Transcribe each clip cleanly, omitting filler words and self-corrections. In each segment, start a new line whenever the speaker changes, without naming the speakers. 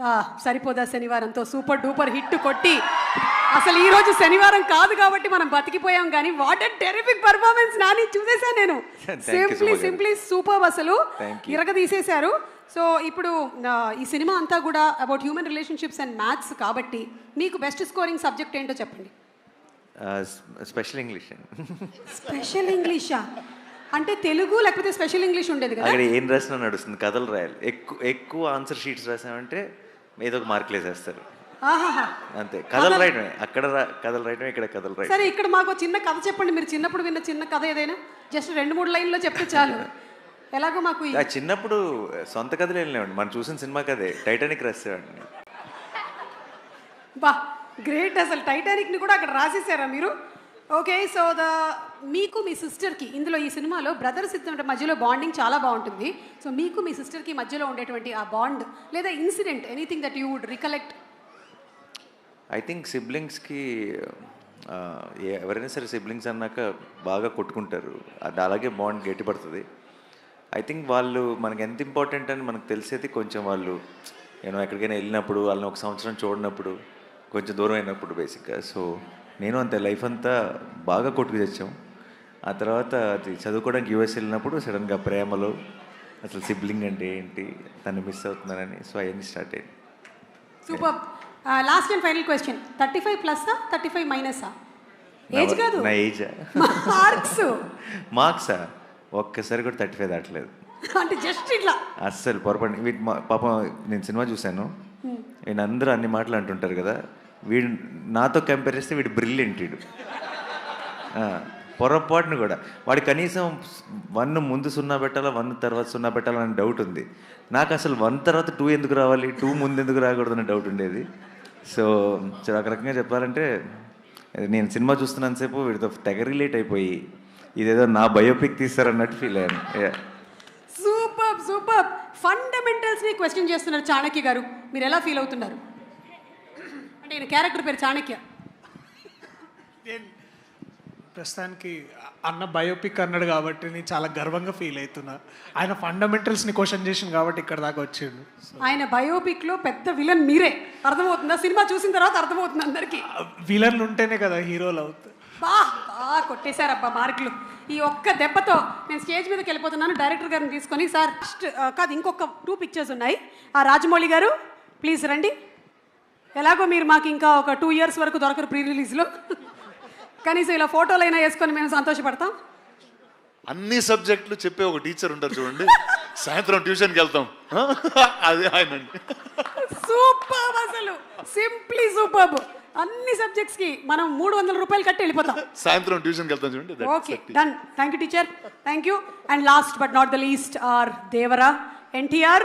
సరిపోదా శనివారంతో super duper hit కొట్టి అసలు ఈ రోజు శనివారం కాదు కాబట్టి మనం బతికిపోయాం కానీ what a terrific performance Nani చూసేసాను నేను. సింప్లీ సూపర్, అసలు ఇరగదీసేశారు. సో ఇప్పుడు ఈ సినిమా అంతా కూడా about human relationships and maths కాబట్టి మీకు బెస్ట్ స్కోరింగ్ సబ్జెక్ట్ ఏంటో చెప్పండి.
Special English.
స్పెషల్ ఇంగ్లీషా అంటే తెలుగు లేకపోతే స్పెషల్ ఇంగ్లీష్ ఉండేది కదా?
అక్కడ ఏం రాసినా నడుస్తుంది, కథలు రాయాలి. ఎక్కువ ఆన్సర్ షీట్స్ రాసామంటే ఏదో ఒక మార్కులు వేసేస్తారు అంతే. కథలు రాయటమే, అక్కడ కథలు రాయటమే, ఇక్కడ కథలు రాయటం.
సరే, ఇక్కడ మాకు చిన్న కథ చెప్పండి. మీరు చిన్నప్పుడు విన్న చిన్న కథ ఏదైనా జస్ట్ 2-3 లైన్లో చెప్తే చాలు. ఎలాగో మాకు
చిన్నప్పుడు సొంత కథలు వెళ్ళినామండి, మనం చూసిన సినిమా కథే టైటానిక్ రాసేవాడిని.
బా గ్రేట్, అసలు టైటానిక్ని కూడా అక్కడ రాసేసారా మీరు? ఓకే, సో మీకు మీ సిస్టర్కి ఇందులో ఈ సినిమాలో బ్రదర్స్ ఇద్దరి మధ్యలో బాండింగ్ చాలా బాగుంటుంది. సో మీకు మీ సిస్టర్కి మధ్యలో ఉండేటువంటి ఆ బాండ్ లేదా incident anything that you would recollect?
I think సిబ్లింగ్స్కి ఎవరైనా సరే సిబ్లింగ్స్ అన్నాక బాగా కొట్టుకుంటారు, అది అలాగే బాండ్ గట్టిపడుతుంది. ఐ థింక్ వాళ్ళు మనకి ఎంత ఇంపార్టెంట్ అని మనకు తెలిసేది కొంచెం వాళ్ళు ఎక్కడికైనా వెళ్ళినప్పుడు, వాళ్ళని ఒక సంవత్సరం చూడనప్పుడు, కొంచెం దూరం అయినప్పుడు బేసిక్గా. సో నేను అంతే లైఫ్ అంతా బాగా కొట్టుకు తెచ్చాం. ఆ తర్వాత అది చదువుకోవడానికి యూఎస్ వెళ్ళినప్పుడు సడన్గా ప్రేమలో అసలు సిబ్లింగ్ అంటే ఏంటి, తను మిస్ అవుతున్నానని, సో అవన్నీ స్టార్ట్ అయ్యింది.
Super. Last and final question, 35+ఆ 35- ఏజ్ కాదు,
నా ఏజా? మార్క్సా ఒక్కసారి కూడా 35 దాటలేదు.
అంటే జస్ట్ ఇట్లా
అస్సలు పొరపాటు. వీటి పాపం నేను సినిమా చూశాను, నేను అందరూ అన్ని మాటలు అంటుంటారు కదా, వీడు నాతో కంపేర్ చేస్తే వీడు బ్రిలియంట్. వీడు పొరపాటును కూడా వాడు కనీసం 1 ముందు 0 పెట్టాలా, 1 తర్వాత 0 పెట్టాలా అని డౌట్ ఉంది నాకు. అసలు 1 తర్వాత 2 ఎందుకు రావాలి, 2 ముందు ఎందుకు రాకూడదని డౌట్ ఉండేది. సో ఒక రకంగా చెప్పాలంటే నేను సినిమా చూస్తున్నంతసేపు వీడితో తెగ రిలేట్ అయిపోయి ఇదేదో నా బయోపిక్ తీస్తారన్నట్టు ఫీల్ అయ్యాను.
సూపర్. ఫండమెంటల్స్ని క్వశ్చన్ చేస్తున్నారు చాణక్య గారు, మీరు ఎలా ఫీల్ అవుతున్నారు? అంటే ఈయన క్యారెక్టర్ పేరు చాణక్య.
ప్రస్తుతానికి అన్న బయోపిక్ అన్నాడు కాబట్టి నేను చాలా గర్వంగా ఫీల్ అవుతున్నా. ఆయన ఫండమెంటల్స్ని క్వశ్చన్ చేసింది కాబట్టి ఇక్కడ దాకా వచ్చిండు.
ఆయన బయోపిక్లో పెద్ద విలన్ మీరే, అర్థమవుతుందా? సినిమా చూసిన తర్వాత అర్థమవుతుంది అందరికీ.
విలన్లు ఉంటేనే కదా హీరోలు అవుతారు.
బాగా కొట్టేశారబ్బా మార్కులు. ఈ ఒక్క దెబ్బతో నేను స్టేజ్ మీదకి వెళ్ళిపోతున్నాను. డైరెక్టర్ గారిని తీసుకొని, సార్ కాదు ఇంకొక 2 పిక్చర్స్ ఉన్నాయి. ఆ రాజమౌళి గారు ప్లీజ్ రండి. ఎలాగో మీరు మాకు ఇంకా ఒక 2 ఇయర్స్ వరకు దొరకరు ప్రీ రిలీజ్లో, కనీసం ఇలా ఫోటోలైనా వేసుకొని మేము సంతోషపడతాం.
అన్ని సబ్జెక్టులు చెప్పే ఒక టీచర్ ఉంటారు చూడండి, సాయంత్రం ట్యూషన్కి వెళ్తాం, అదే ఆయన.
సూపర్, అసలు సింప్లీ సూపర్. అన్ని సబ్జెక్ట్స్ కి మనం 300 రూపాయలు కట్టి వెళ్ళిపోతాం,
సాయంత్రం ట్యూషన్కి వెళ్తాం చూడండి.
Okay, done. Thank you teacher, thank you. And last but not the least our Devara NTR.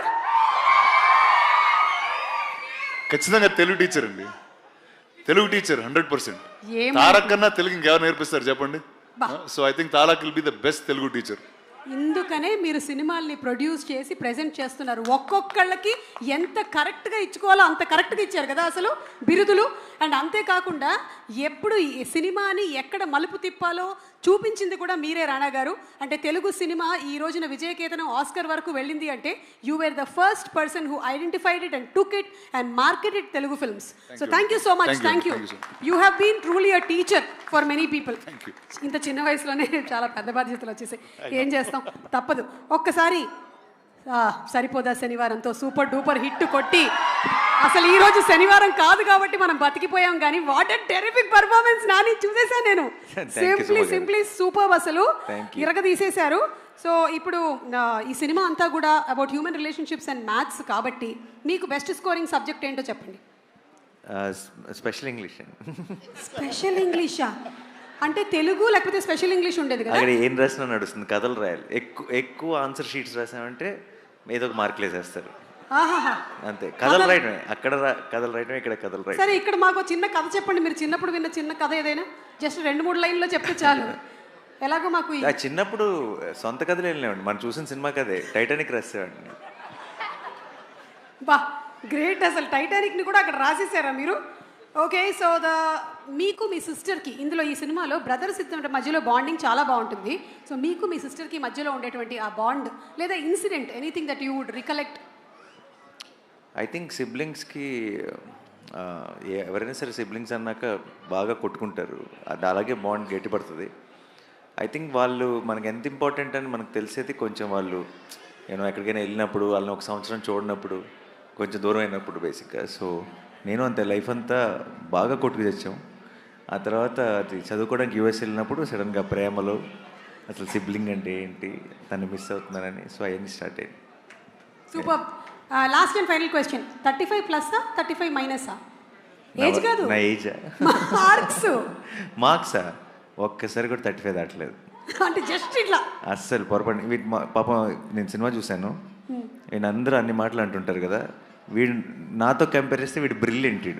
ఖచ్చితంగా తెలుగు టీచర్ అండి, తెలుగు టీచర్ 100%. తారక్ కన్నా తెలుగు ఇంకెవరు నేర్పిస్తారు చెప్పండి? So I think Tarak will be the best Telugu teacher.
ఇందుకనే మీరు సినిమాల్ని ప్రొడ్యూస్ చేసి ప్రెజెంట్ చేస్తున్నారు. ఒక్కొక్కళ్ళకి ఎంత కరెక్ట్గా ఇచ్చుకోవాలో అంత కరెక్ట్గా ఇచ్చారు కదా అసలు బిరుదులు. అండ్ అంతేకాకుండా ఎప్పుడు ఈ సినిమాని ఎక్కడ మలుపు తిప్పాలో చూపించింది కూడా మీరే రాణా గారు. అంటే తెలుగు సినిమా ఈ రోజున విజయకేతనం ఆస్కర్ వరకు వెళ్ళింది అంటే you were the first person who identified it and took it and marketed Telugu films. So thank you so much. Thank you. You have been truly a teacher for many people. ఇంత చిన్న వయసులోనే చాలా పెద్ద బాధ్యతలు వచ్చేసాయి, ఏం చేస్తాం, తప్పదు. ఒక్కసారి సరిపోదా శనివారంతో సూపర్ డూపర్ హిట్ కొట్టి అసలు ఈ రోజు శనివారం కాదు కాబట్టి మనం బతికిపోయాం కానీ what a terrific performance Nani చూసేసాను నేను. సింప్లీ సూపర్, అసలు ఇరగదీసేశారు. సో ఇప్పుడు ఈ సినిమా అంతా కూడా about human relationships and maths కాబట్టి మీకు బెస్ట్ స్కోరింగ్ సబ్జెక్ట్ ఏంటో చెప్పండి.
Special English.
స్పెషల్ ఇంగ్లీషా అంటే తెలుగు లేకపోతే స్పెషల్ ఇంగ్లీష్ ఉండేది కదా?
అక్కడ ఏం రాసినా నడుస్తుంది, కథలు రాయాలి. ఎక్కువ ఆన్సర్ షీట్స్ రాసామంటే ఏదో ఒక మార్కులు వేసేస్తారు అంతే. కథలు రాయటమే, అక్కడ కథలు రాయటమే, ఇక్కడ కథలు రాయటం.
సరే, ఇక్కడ మాకు చిన్న కథ చెప్పండి. మీరు చిన్నప్పుడు విన్న చిన్న కథ ఏదైనా జస్ట్ 2-3 లైన్లో చెప్తే చాలు. ఎలాగో మాకు
చిన్నప్పుడు సొంత కథలు వెళ్ళినామండి, మనం చూసిన సినిమా కథే టైటానిక్ రాసేవాడిని.
బా గ్రేట్, అసలు టైటానిక్ని కూడా అక్కడ రాసేసారా మీరు? ఓకే, సో మీకు మీ సిస్టర్కి ఇందులో ఈ సినిమాలో బ్రదర్స్ ఇద్దరి మధ్యలో బాండింగ్ చాలా బాగుంటుంది. సో మీకు మీ సిస్టర్కి మధ్యలో ఉండేటువంటి ఆ బాండ్ లేదా incident anything that you would recollect?
I think సిబ్లింగ్స్కి ఎవరైనా సరే సిబ్లింగ్స్ అన్నాక బాగా కొట్టుకుంటారు, అది అలాగే బాండ్ గట్టిపడుతుంది. ఐ థింక్ వాళ్ళు మనకి ఎంత ఇంపార్టెంట్ అని మనకు తెలిసేది కొంచెం వాళ్ళు ఎక్కడికైనా వెళ్ళినప్పుడు, వాళ్ళని ఒక సంవత్సరం చూడనప్పుడు, కొంచెం దూరం అయినప్పుడు బేసిక్గా. సో నేను అంతే లైఫ్ అంతా బాగా కొట్టుకు తెచ్చాం. ఆ తర్వాత అది చదువుకోవడానికి యూఎస్ వెళ్ళినప్పుడు సడన్గా ప్రేమలో అసలు సిబ్లింగ్ అంటే ఏంటి, తను మిస్ అవుతున్నానని, సో అవన్నీ స్టార్ట్ అయ్యింది.
Super. Last and final question, 35 ప్లస్సా 35 మైనసా? ఏజ్ కాదు,
నా ఏజా? మార్క్సా? ఒక్కసారి కూడా 35 దాటలేదు.
అంటే జస్ట్ ఇట్లా
అస్సలు పొరపాటు. వీటి పాపం నేను సినిమా చూశాను, వీడు అందరూ అన్ని మాటలు అంటుంటారు కదా, వీడు నాతో కంపేర్ చేస్తే వీడు బ్రిలియంట్. వీడు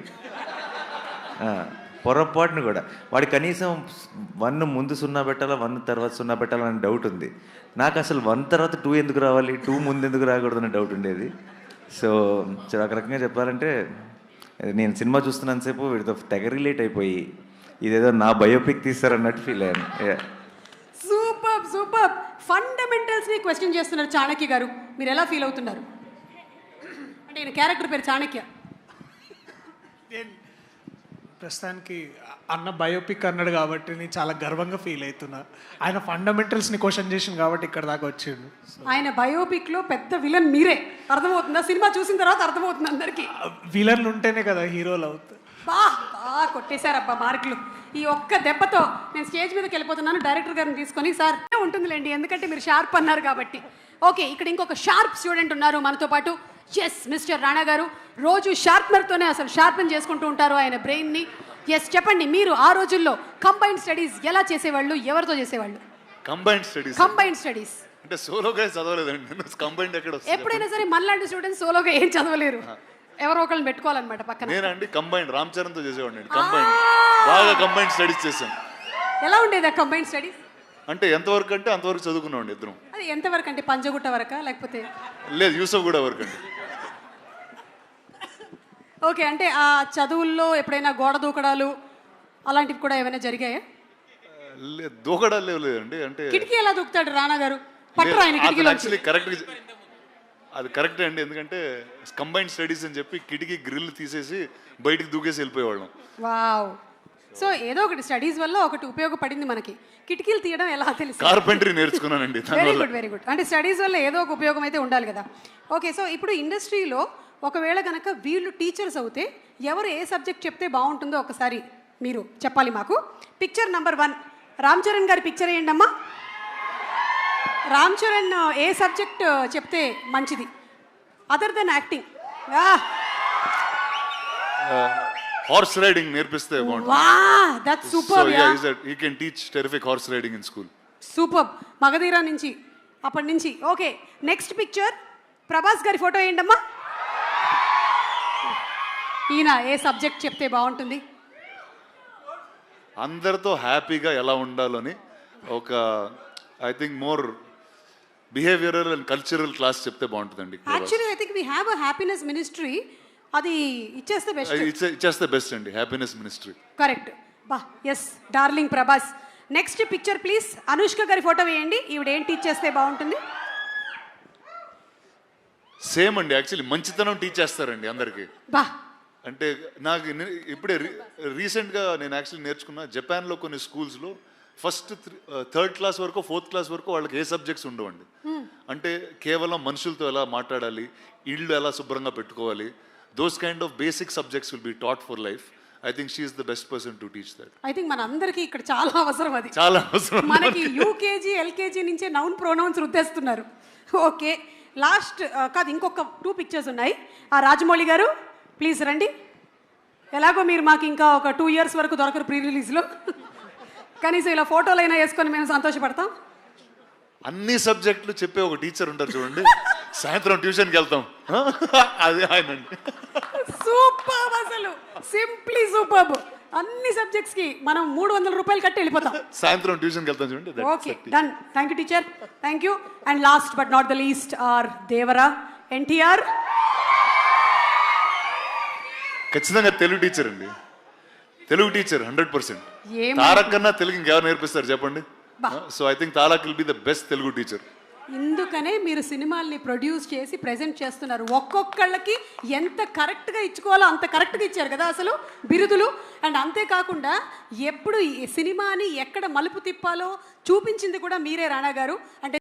పొరపాటును కూడా వాడు కనీసం 1 ముందు 0 పెట్టాలా, 1 తర్వాత 0 పెట్టాలా అని డౌట్ ఉంది. నాకు అసలు 1 తర్వాత 2 ఎందుకు రావాలి, 2 ముందు ఎందుకు రాకూడదని డౌట్ ఉండేది. సో ఒక రకంగా చెప్పాలంటే నేను సినిమా చూస్తున్నంతసేపు వీడితో తెగ రిలేట్ అయిపోయి ఇదేదో నా బయోపిక్ తీస్తారన్నట్టు ఫీల్ అయ్యాను.
Super super. ఫండమెంటల్స్ని క్వశ్చన్ చేస్తున్నారు చాణక్య గారు, మీరు ఎలా ఫీల్ అవుతున్నారు? అంటే ఈయన క్యారెక్టర్ పేరు చాణక్య.
ప్రస్తుతానికి అన్న బయోపిక్ అన్నాడు కాబట్టి నేను చాలా గర్వంగా ఫీల్ అవుతున్నా. ఆయన ఫండమెంటల్స్ని క్వశ్చన్ చేసింది కాబట్టి ఇక్కడ దాకా వచ్చిండు.
ఆయన బయోపిక్లో పెద్ద విలన్ మీరే, అర్థమవుతుందా? సినిమా చూసిన తర్వాత అర్థమవుతుంది అందరికీ.
విలన్లు ఉంటేనే కదా హీరోలు అవుతారు.
బాగా కొట్టేశారబ్బా మార్కులు. ఈ ఒక్క దెబ్బతో నేను స్టేజ్ మీదకి వెళ్ళిపోతున్నాను, డైరెక్టర్ గారిని తీసుకొని. సార్ ఉంటుందిలేండి, ఎందుకంటే మీరు షార్ప్ అన్నారు కాబట్టి. ఓకే, ఇక్కడ ఇంకొక షార్ప్ స్టూడెంట్ ఉన్నారు మనతో పాటు. ఎస్, మిస్టర్ రాణా గారు రోజు షార్ప్నర్తోనే అసలు షార్పెన్ చేసుకుంటూ ఉంటారు ఆయన బ్రెయిన్ని. ఎస్, చెప్పండి, మీరు ఆ రోజుల్లో కంబైన్డ్ స్టడీస్ ఎలా చేసేవాళ్ళు, ఎవరితో చేసేవాళ్ళు? కంబైన్డ్ స్టడీస్
అంటే సోలోగా చదవలేదండి, కంబైన్డ్ ఎక్కడ వస్తుంది?
ఎప్పుడైనా సరే మనలాంటి స్టూడెంట్స్ సోలోగా ఏం చదవలేరు, ఎవరో ఒకళ్ళని పెట్టుకోవాలన్నమాట పక్కన.
నేనండి కంబైన్డ్ రామ్ చరణ్తో చేసేవాడిని. కంబైన్డ్ బాగా కంబైన్డ్ స్టడీస్ చేసాం.
ఎలా ఉండేది ఆ కంబైన్డ్ స్టడీస్?
అంటే ఎంతవరకు అంటే అంతవరకు చదువుకున్నామండి ఇద్దరం.
అది ఎంతవరకు అంటే పంజగుట్ట వరకా లేకపోతే?
లేదు, యూసఫ్ కూడా వరకు అండి.
ఓకే, అంటే ఆ చదువుల్లో ఎప్పుడైనా గోడ దూకడాలు అలాంటివి కూడా ఏమైనా జరిగాయా?
దూకడాలు లేదండి. అంటే
కిటికీ ఎలా దూకుతాడు రాణా గారు? పట్టరు ఆయన కిటికీలో.
యాక్చువల్లీ కరెక్ట్, అది కరెక్టే అండి. ఎందుకంటే కంబైన్డ్ స్టడీస్ అని చెప్పి కిటికీ గ్రిల్ తీసేసి బయటికి దూకేసి వెళ్ళిపోయేవాళ్ళం.
వావ్. సో ఏదో ఒకటి స్టడీస్ వల్ల ఒకటి ఉపయోగపడింది మనకి. కిటికీలు తీయడం ఎలా తెలుసు?
కార్పెంటరీ నేర్చుకున్నానండి.
Very good, very good. అంటే స్టడీస్ వల్ల ఏదో ఒక ఉపయోగం అయితే ఉండాలి కదా. ఓకే, సో ఇప్పుడు ఇండస్ట్రీలో ఒకవేళ కనుక వీళ్ళు టీచర్స్ అవుతే ఎవరు ఏ సబ్జెక్ట్ చెప్తే బాగుంటుందో ఒకసారి మీరు చెప్పాలి మాకు. పిక్చర్ నెంబర్ 1, రామ్ చరణ్ గారి పిక్చర్ వేయండి అమ్మా. రామ్ చరణ్ ఏ సబ్జెక్ట్ చెప్తే మంచిది other than acting?
Horse riding నేర్పిస్తే బాగుంటుంది.
వాహ్, that's super.
He can teach terrific horse riding in school.
Super. Magadheera నుంచి అప్పటి నుంచి. ఓకే, నెక్స్ట్ పిక్చర్ ప్రభాస్ గారి ఫోటో వేయండి అమ్మా. ఈయన ఏ సబ్జెక్ట్ చెప్తే బాగుంటుంది?
అందరితో హ్యాపీగా ఎలా ఉండాలని ఒక I think more behavioural and cultural class చెప్తే బాగుంటుందండి.
Actually I think we have a happiness ministry, అది ఇచ్చేస్తే బెస్ట్.
ఇచ్చేస్తే బెస్ట్ అండి, హ్యాపీనెస్ మినిస్ట్రీ.
కరెక్ట్. బా, yes, darling Prabhas. Next picture please. Anushka గారి ఫోటో వేయండి. ఈవిడ ఏం టీచ్ చేస్తే బాగుంటుంది?
సేమ్ అండి, యాక్చువల్లీ మంచితనం టీచ్ చేస్తారండి అందరికీ.
బా,
అంటే నాకు ఇప్పుడే రీసెంట్గా నేను యాక్చువల్లీ నేర్చుకున్న జపాన్లో కొన్ని స్కూల్స్లో ఫస్ట్ 3rd క్లాస్ వరకు 4th క్లాస్ వరకు వాళ్ళకి ఏ సబ్జెక్ట్స్ ఉండవండి. అంటే కేవలం మనుషులతో ఎలా మాట్లాడాలి, ఇళ్ళు ఎలా శుభ్రంగా పెట్టుకోవాలి, those kind of basic subjects will be taught for life. I think she is the best person to teach that.
I think మన అందరికీ ఇక్కడ చాలా అవసరం అది.
చాలా అవసరం.
మనకి యూకేజీ ఎల్కేజీ నుంచే నౌన్ ప్రొనౌన్స్ రుద్దేస్తున్నారు. ఓకే, లాస్ట్ కాదు, ఇంకొక 2 పిక్చర్స్ ఉన్నాయి. ఆ రాజమౌళి గారు ప్లీజ్ రండి. ఎలాగో మీరు మాకు ఇంకా ఒక 2 years వరకు దొరకరు ప్రీ రిలీజ్లో, కనీసం ఇలా ఫోటోలు అయినా వేసుకొని మేము సంతోషపడతాం.
అన్ని సబ్జెక్టులు చెప్పే ఒక టీచర్ ఉంటారు చూడండి, సాయంత్రం ట్యూషన్కి వెళ్తాం, అదే ఆయన.
సూపర్, అసలు సింప్లీ సూపర్. అన్ని సబ్జెక్ట్స్ కి మనం 300 రూపాయలు కట్టి వెళ్ళిపోతాం.
సాయంత్రం ట్యూషన్కి వెళ్తాం చూడండి.
Okay, done. Thank you teacher, thank you. And last but not the least our Devara NTR.
ఖచ్చితంగా తెలుగు టీచర్ అండి, తెలుగు టీచర్ 100%. తారక్ కన్నా తెలుగు ఇంకెవరు నేర్పిస్తారు చెప్పండి? So I think Tarak will be the best Telugu teacher.
ఇందుకనే మీరు సినిమాల్ని ప్రొడ్యూస్ చేసి ప్రెజెంట్ చేస్తున్నారు. ఒక్కొక్కళ్ళకి ఎంత కరెక్ట్గా ఇచ్చుకోవాలో అంత కరెక్ట్గా ఇచ్చారు కదా అసలు బిరుదులు. అండ్ అంతేకాకుండా ఎప్పుడు ఈ సినిమాని ఎక్కడ మలుపు తిప్పాలో చూపించింది కూడా మీరే రాణా గారు. అంటే